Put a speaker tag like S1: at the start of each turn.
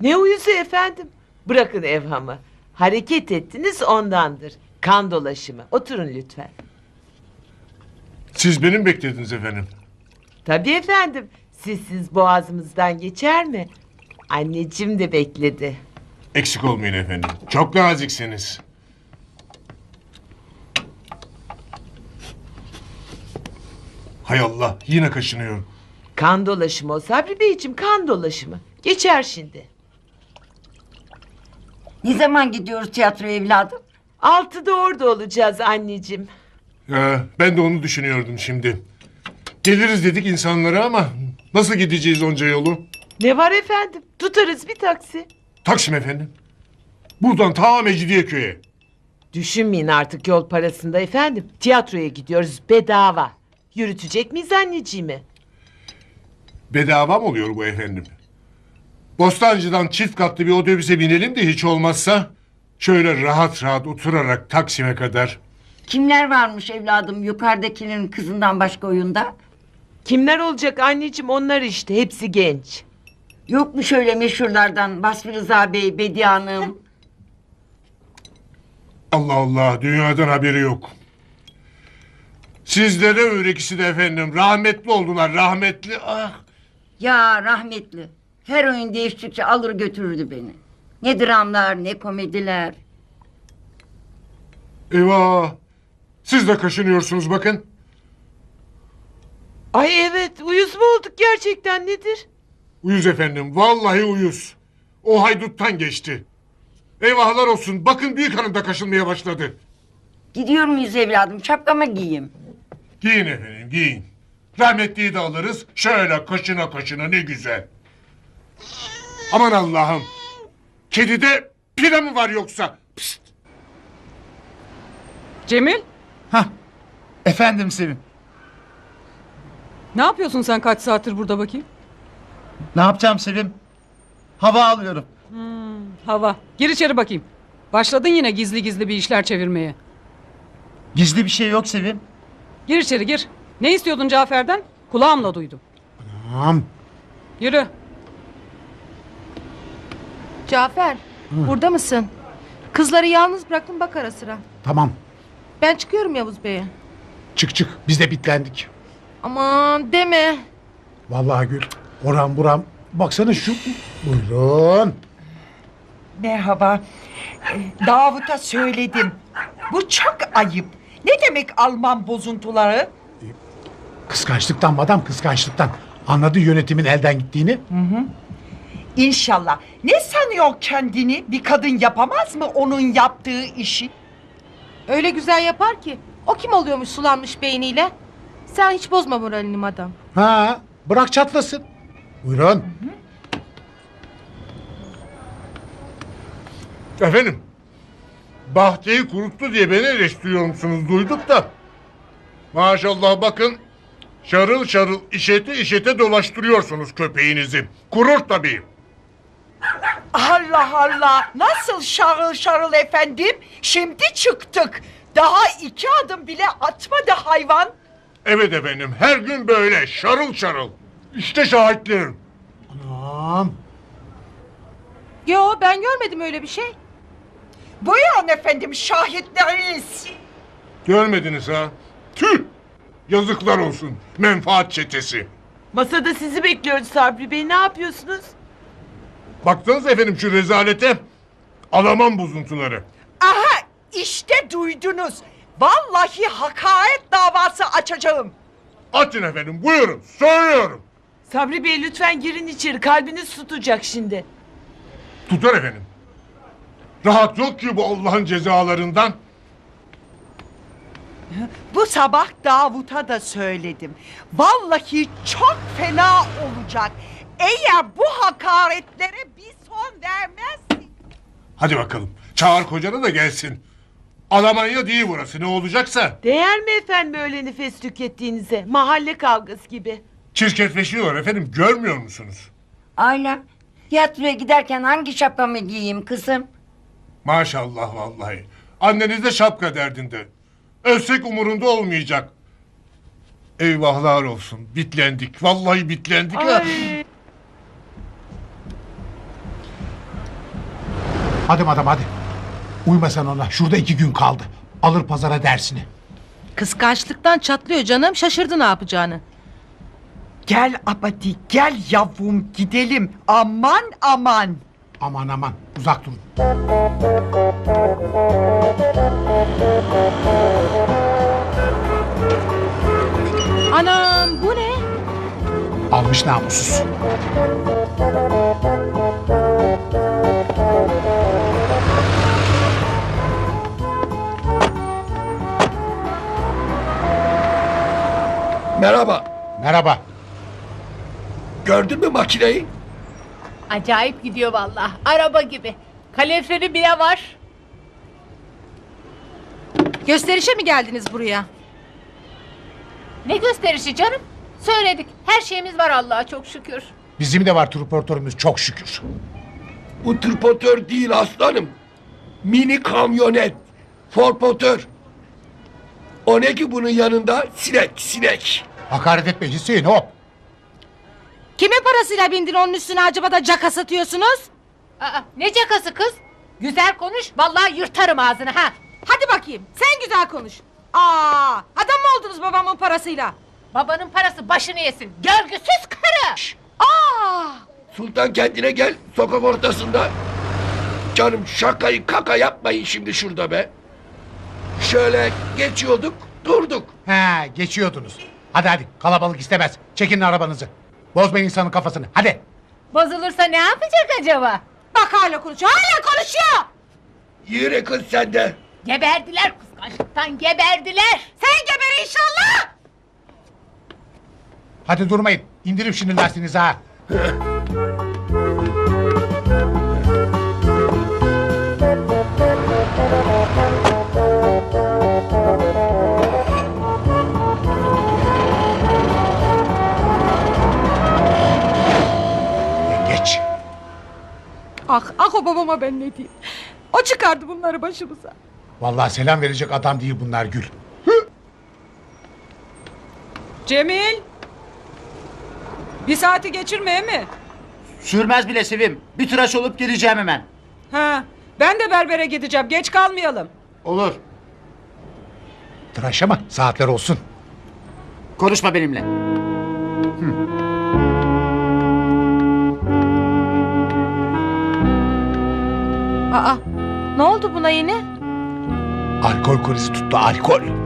S1: Ne uyusu efendim? Bırakın evhamı. Hareket ettiniz ondandır. Kan dolaşımı. Oturun lütfen.
S2: Siz beni mi beklediniz efendim?
S1: Tabii efendim. Sizsiz boğazımızdan geçer mi? Anneciğim de bekledi.
S2: Eksik olmayın efendim. Çok naziksiniz. Hay Allah, yine kaşınıyorum.
S1: Kan dolaşımı o Sabri Beyciğim, kan dolaşımı. Geçer şimdi.
S3: Ne zaman gidiyoruz tiyatroya evladım?
S1: 6'da orada olacağız anneciğim.
S2: Ya, ben de onu düşünüyordum şimdi. Geliriz dedik insanlara ama nasıl gideceğiz onca yolu?
S1: Ne var efendim? Tutarız bir taksi.
S2: Taksim efendim. Buradan ta Mecidiyeköy'e.
S1: Düşünmeyin artık yol parasında efendim. Tiyatroya gidiyoruz bedava. Yürütecek miyiz anneciğimi?
S2: Bedava mı oluyor bu efendim? Bostancı'dan çift katlı bir otobüse binelim de hiç olmazsa şöyle rahat rahat oturarak Taksim'e kadar.
S3: Kimler varmış evladım yukarıdakinin kızından başka oyunda?
S1: Kimler olacak anneciğim, onlar işte, hepsi genç.
S3: Yok mu şöyle meşhurlardan Basri Rıza Bey, Bediye Hanım?
S2: Allah Allah, dünyadan haberi yok. Sizlere öğrekisi de efendim rahmetli oldular, rahmetli. Ah.
S3: Ya rahmetli. Her oyun değiştikçe alır götürürdü beni. Ne dramlar ne komediler.
S2: Eyvah. Siz de kaşınıyorsunuz bakın.
S1: Ay evet, uyuz mu olduk gerçekten, nedir?
S2: Uyuz efendim, vallahi uyuz. O hayduttan geçti. Eyvahlar olsun, bakın büyük hanım da kaşınmaya başladı.
S3: Gidiyor muyuz evladım şapkamı giyeyim.
S2: Giyin efendim, giyin. Rahmetliyi de alırız, şöyle kaşına kaşına ne güzel. Aman Allah'ım. Kedide pire mi var yoksa? Pst.
S4: Cemil,
S5: Hah. Efendim Sevim.
S4: ne yapıyorsun sen kaç saattir burada bakayım?
S5: Ne yapacağım Sevim? Hava alıyorum.
S4: Hava. Gir içeri bakayım. Başladın yine gizli gizli bir işler çevirmeye.
S5: Gizli bir şey yok Sevim.
S4: Gir içeri gir. Ne istiyordun Cafer'den? Kulağımla duydum.
S5: Tamam.
S4: Yürü.
S6: Cafer, burada mısın? Kızları yalnız bıraktım, bak ara sıra.
S7: Tamam.
S6: Ben çıkıyorum Yavuz Bey'e.
S7: Çık çık. Biz de bitlendik.
S6: Aman deme.
S7: Vallahi Gül. Oram buram. Baksana şu. Buyurun.
S8: Merhaba. Davut'a söyledim. Bu çok ayıp. Ne demek Alman bozuntuları?
S7: Kıskançlıktan madam, kıskançlıktan. Anladı yönetimin elden gittiğini.
S8: İnşallah. Ne sanıyor kendini? Bir kadın yapamaz mı onun yaptığı işi?
S6: Öyle güzel yapar ki. O kim oluyormuş sulanmış beyniyle? Sen hiç bozma moralini madam.
S7: Ha, bırak çatlasın. Buyurun.
S2: Efendim, Bahçeyi kuruttu diye beni eleştiriyor musunuz duyduk da. Maşallah bakın, şarıl şarıl işete işete dolaştırıyorsunuz köpeğinizi. Kurur tabii.
S8: Allah Allah. Nasıl şarıl şarıl efendim? Şimdi çıktık. Daha 2 adım bile atmadı hayvan.
S2: Evet efendim, her gün böyle şarıl şarıl. İşte şahitlerim.
S7: Anam.
S6: Yo, ben görmedim öyle bir şey.
S8: Buyurun efendim şahitleriniz.
S2: Görmediniz ha? Tüh! Yazıklar olsun, menfaat çetesi.
S1: Masada sizi bekliyoruz Sabri Bey, ne yapıyorsunuz?
S2: Baktınız efendim şu rezalete. Alaman bozuntuları.
S8: Aha işte duydunuz. Vallahi hakaret davası açacağım.
S2: Açın efendim, buyurun, söylüyorum.
S1: Sabri Bey lütfen girin içeri, kalbiniz tutacak şimdi.
S2: Tutar efendim. Rahat yok ki bu Allah'ın cezalarından.
S8: Bu sabah Davut'a da söyledim. Vallahi çok fena olacak. Eğer bu hakaretlere bir son vermezsin.
S2: Hadi bakalım, çağır kocanı da gelsin. Almanya değil burası, ne olacaksa.
S1: Değer mi efendim öyle nefes tükettiğinize? Mahalle kavgası gibi.
S2: Çirkefleşiyorlar efendim, görmüyor musunuz?
S3: Ayla tiyatroya giderken hangi şapkamı giyeyim kızım?
S2: Maşallah vallahi. Anneniz de şapka derdinde. Ölsek umurunda olmayacak. Eyvahlar olsun, bitlendik. Vallahi bitlendik ha.
S1: Ay.
S7: Hadi madam hadi. Uyma sen ona. Şurada 2 gün kaldı. Alır pazara dersini.
S6: Kıskançlıktan çatlıyor canım. Şaşırdı ne yapacağını.
S8: Gel Abadi gel yavrum gidelim. Aman aman.
S7: Aman aman uzak durun.
S6: Anam bu ne?
S7: Almış namussuz.
S9: Merhaba.
S7: Merhaba.
S9: Gördün mü makineyi?
S10: Acayip gidiyor vallahi. Araba gibi. Kaloriferi bile var.
S6: Gösterişe mi geldiniz buraya?
S10: Ne gösterişi canım? Söyledik. Her şeyimiz var Allah'a çok şükür.
S7: Bizim de var transportörümüz çok şükür.
S9: Bu tırpotör değil aslanım. Mini kamyonet. Forpotör. O ne ki bunun yanında? Sinek.
S7: Hakaret etme Hüseyin hop.
S6: Kimin parasıyla bindin onun üstüne acaba da caka satıyorsunuz?
S10: Aa, ne cakası kız? Güzel konuş. Vallahi yırtarım ağzını ha.
S6: Hadi bakayım sen güzel konuş. Adam mı oldunuz babamın parasıyla?
S10: Babanın parası başını yesin. Görgüsüz karı.
S9: Sultan kendine gel sokak ortasında. Canım şakayı kaka yapmayın şimdi şurada be. Şöyle geçiyorduk durduk.
S7: He geçiyordunuz. Hadi kalabalık istemez. Çekin arabanızı. Bozmayın insanın kafasını hadi.
S10: Bozulursa ne yapacak acaba?
S6: Bak hala konuşuyor
S9: Yürü kız sen de.
S10: Geberdiler kıskançlıktan geberdiler.
S6: Sen geber inşallah.
S7: Hadi durmayın. İndirin şimdi lastiğinizi ha. Geç.
S6: Ah o babama ben ne diyeyim. O çıkardı bunları başımıza.
S7: Vallahi selam verecek adam değil bunlar Gül.
S4: Cemil. Bir saati geçirmeye mi?
S5: Sürmez bile Sevim. Bir tıraş olup geleceğim hemen.
S4: Ha, ben de berbere gideceğim. Geç kalmayalım.
S5: Olur.
S7: Tıraş ama saatler olsun.
S5: Konuşma benimle.
S6: Ne oldu buna yine?
S7: Alkol krizi tuttu alkol.